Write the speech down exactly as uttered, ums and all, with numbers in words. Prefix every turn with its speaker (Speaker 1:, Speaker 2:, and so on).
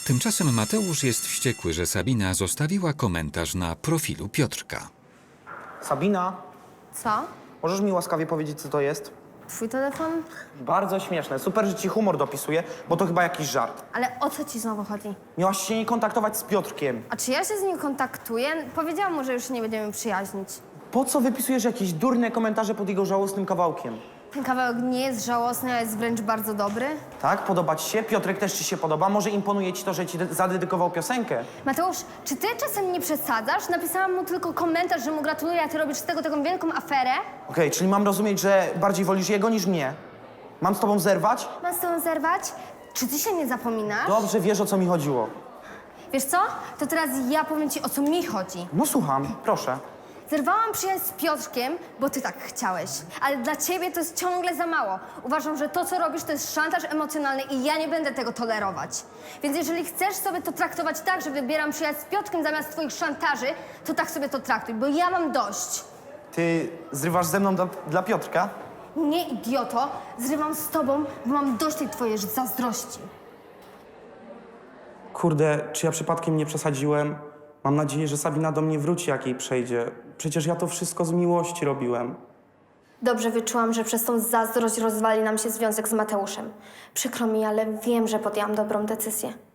Speaker 1: Tymczasem Mateusz jest wściekły, że Sabina zostawiła komentarz na profilu Piotrka.
Speaker 2: Sabina,
Speaker 3: Co?
Speaker 2: możesz mi łaskawie powiedzieć, co to jest?
Speaker 3: Twój telefon?
Speaker 2: Bardzo śmieszne. Super, że ci humor dopisuje, bo to chyba jakiś żart.
Speaker 3: Ale o co ci znowu chodzi?
Speaker 2: Miałaś się nie kontaktować z Piotrkiem.
Speaker 3: A czy ja się z nim kontaktuję? Powiedziałam mu, że już się nie będziemy przyjaźnić.
Speaker 2: Po co wypisujesz jakieś durne komentarze pod jego żałosnym kawałkiem?
Speaker 3: Ten kawałek nie jest żałosny, a jest wręcz bardzo dobry.
Speaker 2: Tak? Podoba ci się? Piotrek też ci się podoba? Może imponuje ci to, że ci de- zadedykował piosenkę?
Speaker 3: Mateusz, czy ty czasem nie przesadzasz? Napisałam mu tylko komentarz, że mu gratuluję, a ty robisz z tego taką wielką aferę.
Speaker 2: Okej, czyli mam rozumieć, że bardziej wolisz jego niż mnie? Mam z tobą zerwać?
Speaker 3: Mam z tobą zerwać? Czy ty się nie zapominasz?
Speaker 2: Dobrze wiesz, o co mi chodziło.
Speaker 3: Wiesz co? To teraz ja powiem ci, o co mi chodzi.
Speaker 2: No słucham, proszę.
Speaker 3: Zerwałam przyjaźń z Piotrkiem, bo ty tak chciałeś. Ale dla ciebie to jest ciągle za mało. Uważam, że to, co robisz, to jest szantaż emocjonalny i ja nie będę tego tolerować. Więc jeżeli chcesz sobie to traktować tak, że wybieram przyjaźń z Piotrkiem zamiast twoich szantaży, to tak sobie to traktuj, bo ja mam dość.
Speaker 2: Ty zrywasz ze mną dla, dla Piotrka?
Speaker 3: Nie, idioto, zrywam z tobą, bo mam dość tej twojej zazdrości.
Speaker 2: Kurde, czy ja przypadkiem nie przesadziłem? Mam nadzieję, że Sabina do mnie wróci, jak jej przejdzie. Przecież ja to wszystko z miłości robiłem.
Speaker 4: Dobrze wyczułam, że przez tą zazdrość rozwali nam się związek z Mateuszem. Przykro mi, ale wiem, że podjęłam dobrą decyzję.